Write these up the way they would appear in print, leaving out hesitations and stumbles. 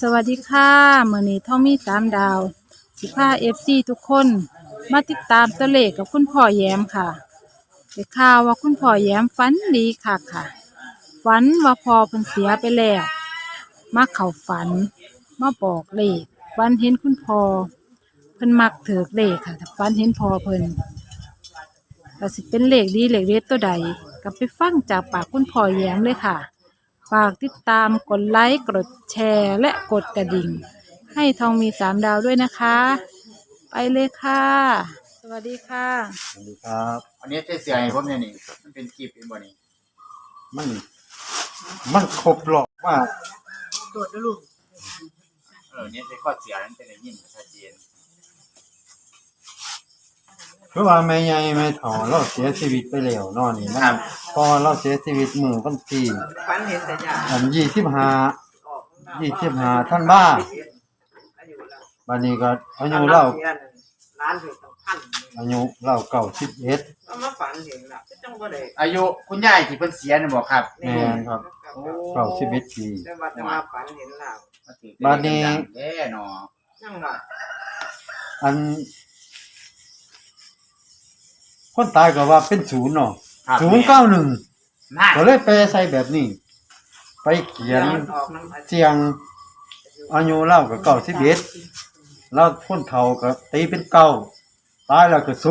วัสดีค่ะมื้อนี้ท่องมี3 ดาวสิพาFC ทุกคนมาติดตามตัวเลขกับคุณพ่อแย้มค่ะได้ข่าวว่าคุณพ่อแย้มฝันดีค่ะฝันว่าพ่อเพิ่นเสียไปแล้วมาเข้าฝันมาบอกเลขฝันเห็นคุณพ่อเพิ่นมักถือเลขค่ะถ้าฝันเห็นพ่อเพิ่นก็สิเป็นเลขดีเลขเด็ดตัวใดก็ไปฟังจากปากคุณพ่อแย้มเลยค่ะฝากติดตามกดไลค์กดแชร์และกดกระดิ่งให้ทองมี3 ดาวด้วยนะคะ ไปเลยค่ะ สวัสดีค่ะสวัสดีครับอันนี้เสียให้ผมเนี่ยนี่มันเป็นคลิปเป็นบ่นี่มันมันครบรอบว่าตรวจด้วยลูกเนี่ยใช้ข้อเสียนั้นเป็นอย่างยิ่งชัดเจนคือว่าแม่ใหญ่แม่ถอเราเสียชีวิตไปแล้วนอนนี่นะพอเราเสียชีวิตมื้อวันที่ฝันเห็นแต่ยาอัน25ท่านบ้าบัดนี้ก็อายุเราล้านถึงพันอายุเรา91 เอามาฝันเห็นล่ะจังบ่ได้อายุคุณยายที่เพิ่นเสียน่ะบ่ครับแม่นครับ91ปีแต่ว่าจะมาฝันเห็นล่ะบัดนี้แย่เนาะจังว่าอันคนตายก็ว่าเป็น0เนาะ091ก็เลยแปลใส่แบบนี้ไปเขียนเสียงอายุเล่าก็91แล้วคนเฒ่าก็ตีเป็น9ตายแล้วก็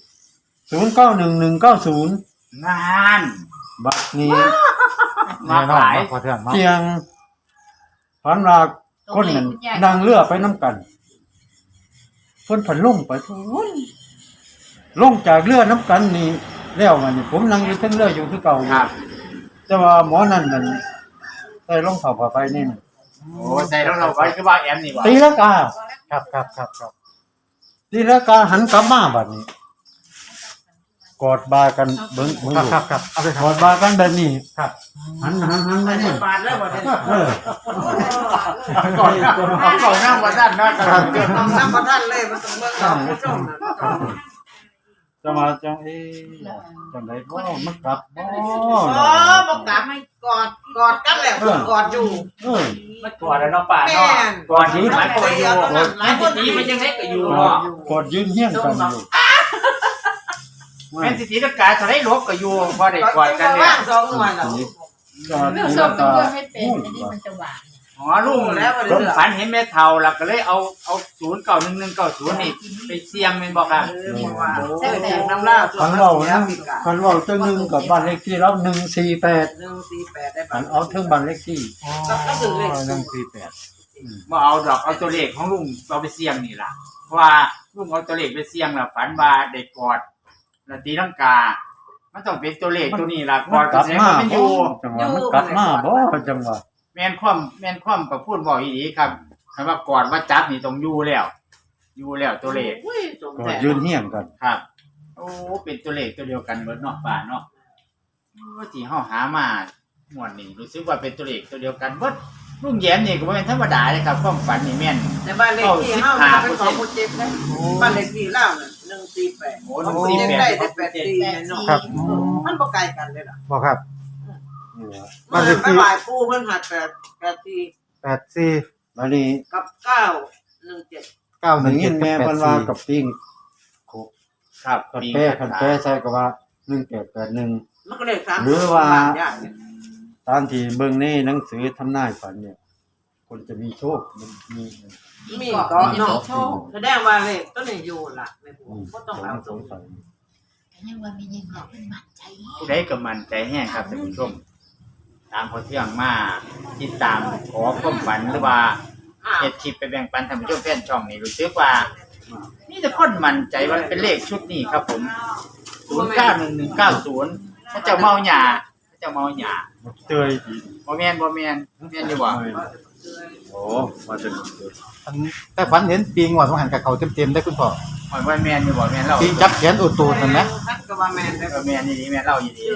0091190 งานบัดนี้มาหลายเสียงฝันว่าคนนั้นนั่งเรือไปนำกันเพิ่นผันลงไปลงจากเรือนำกันนี่แล้วมันนี่ผมนั่งอยู่เทิงเรืออยู่คือเก่าครับแต่ว่าหมอนั่นนั่นใส่รองเท้าผ้าใบนี่โอ้ใส่รองเท้าไว้คือว่าแอมนี่บ่ตีลังกาครับตีลังกาหันกลับมาบัดนี้กอดบ่ากันเบิ่งครับเอาไปกอดบ่ากันแบบนี้ครับหันมานี่บาดแล้วบ่ได้ก่อนนั่งบ่ทันนะครับเกิดน้ำบ่ทันเลยมันต้องเบิ่งเอาผู้ชมจะมาจังจังได๋บ่มันกลับบ่บ่กลับให้กอดกันแล้วกอดอยู่มันกอดแล้วเนาะป้าเนาะกอดอยู่หลายคนอยู่หลายคนนี่มันยังเล็กก็อยู่เนาะกอดยืนเฮียงกันอยู่แม่นสิตีลังกาเท่าได๋ลบก็อยู่บ่ได้กอดกันเนี่ย2หน่วยแล้วเรื่องส้มเป็นด้วยให้เป็นอันนี้มันจะหวานอ๋อลุงผมฝันเห็นแม่เฒ่าแล้วก็เลยเอา091190นี่ไปเสี่ยงแม่นบ่ครับใช่แต่น้ำล่าคันเว้าจังนึงกับบ้านเลขที่เรา148 ได้อันเอาถึงบ้านเลขที่ก็คือเลข 148 บ่เอาดอกเอาตัวเลขของลุงเอาไปเสี่ยงนี่ล่ะเพราะว่าลุงเอาตัวเลขไปเสี่ยงแล้วฝันว่าได้กอดแล้วตีลังกามันต้องเป็นตัวเลขตัวนี้ล่ะกอดก็แสดงว่ามันอยู่จังหวะมันกลับมาบ่จังหวะแม่นความก็พูดบ่อีหลีครับคำว่ากอดว่าจับนี่ต้องอยู่แล้วตัวเลขก็ยืนเฮียงกันครับโอ้เป็นตัวเลขตัวเดียวกันเบิดเนาะป้าเนาะว่าที่เฮาหามาหมวดนี้รู้สึกว่าเป็นตัวเลขตัวเดียวกันเบิดลุงแย้มนี่ก็บ่แม่นธรรมดาเลยครับความฝันนี่แม่นแต่บ้านเลขที่เฮาเป็นของผู้เจ็บนะบ้านเลขที่ลาวน่ะ148 โอ้148 ได้84เนาะครับมันบ่ไกลกันเลยล่ะบ่ครับบ้านเลขที่ปู่เพิ่นหัด 84บัดนี้กับ917 แม่เพิ่นว่ากับปิ้งครับคันแปใส่ก็ว่า1881 มันก็เลข3 หรือว่าตามที่เบิ่งในหนังสือทำนายฝันเนี่ยคนจะมีโชคมันมีก็เนาะแสดงว่าเลขต้นนี้อยู่ล่ะแม่ปู่บ่ต้องเอาสงสัยยังว่ามียังเนาะเพิ่นมั่นใจผู้ใดก็มั่นใจแฮงครับท่านผู้ชมตามพอเที่ยงมาติดตามขอความฝันหรือว่าเฮ็ดคลิปไปแบ่งปันท่านผู้ชมแฟนช่องนี่รู้สึกว่านี่จะคนมั่นใจว่าเป็นเลขชุดนี้ครับผม091190ถ้าเจ้าเมาหญ้าเตยบ่แม่นอยู่บ่โอ้มาถึงแต่ฝันเห็นปิงว่าสงหันกับเขาเต็มๆได้คุณพ่อว่าแม่นอยู่บ่แม่นเล่าปิงจับแขนอุดตูดนั่นนะก็ว่าแม่นได้ก็แม่นนี่แม่นเล่าอยู่ดี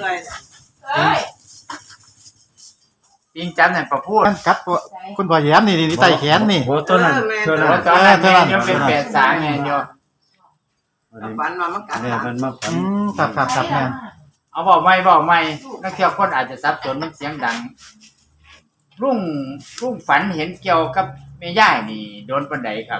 ปิงจับนั่นประพูดครับคุณพ่อแย้มนี่ไต่แขนนี่โอ้ตัวนั้นยังเป็น83แม่นอยู่ฝันว่ามันกัดมันมาฝันครับแม่เอาบอกใหม่นักเที่ยวคนอาจจะสับสนมันเสียงดังลุงฝันเห็นเกี่ยวกับแม่ย่ายนี่โดนปานใดครับ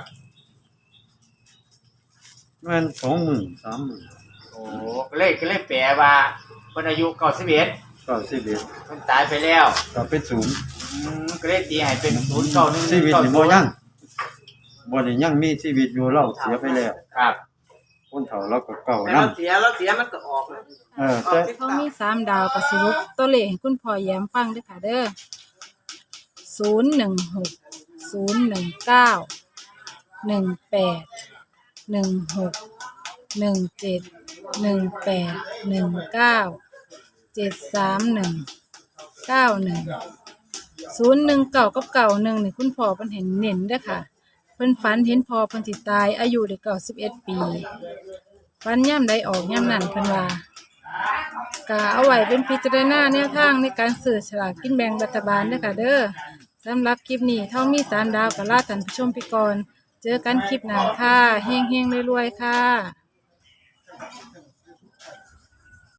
มัน20,000 30,000 โอ้ก็เลยแปลว่าเพิ่นอายุ91 91 เพิ่นตายไปแล้วก็เป็นศูนย์ก็เลยตีให้เป็น091 ชีวิตนี่บ่ยังบ่ได้ยังมีชีวิตอยู่เราเสียไปแล้วครับคนเฒ่าเราก็เก่าแต่นํเราเสียมันก็ออกนะแต่เขามี3 ดาวก็สรุปตัวเลขให้คุณพ่อแย้มฟังเด้อค่ะเด้อ016 019 18 16 17 18 19 731 91 019กับ91นี่คุณพ่อเพิ่นเห็นเน้นเด้อค่ะเพิ่นฝันเห็นพ่อเพิ่นสิตายอายุได้91 ปีฝันยามใดออกยามนั้นเพิ่นว่าก็เอาไว้เป็นพิจารณาแนวทางในการซื้อฉลากกินแบ่งรัฐบาลเด้อค่ะเด้อสำหรับคลิปนี้ท่องมี3 ดาวก็ลาท่านผู้ชมไปก่อนเจอกันคลิปหน้าค่ะเฮงๆรวยๆค่ะ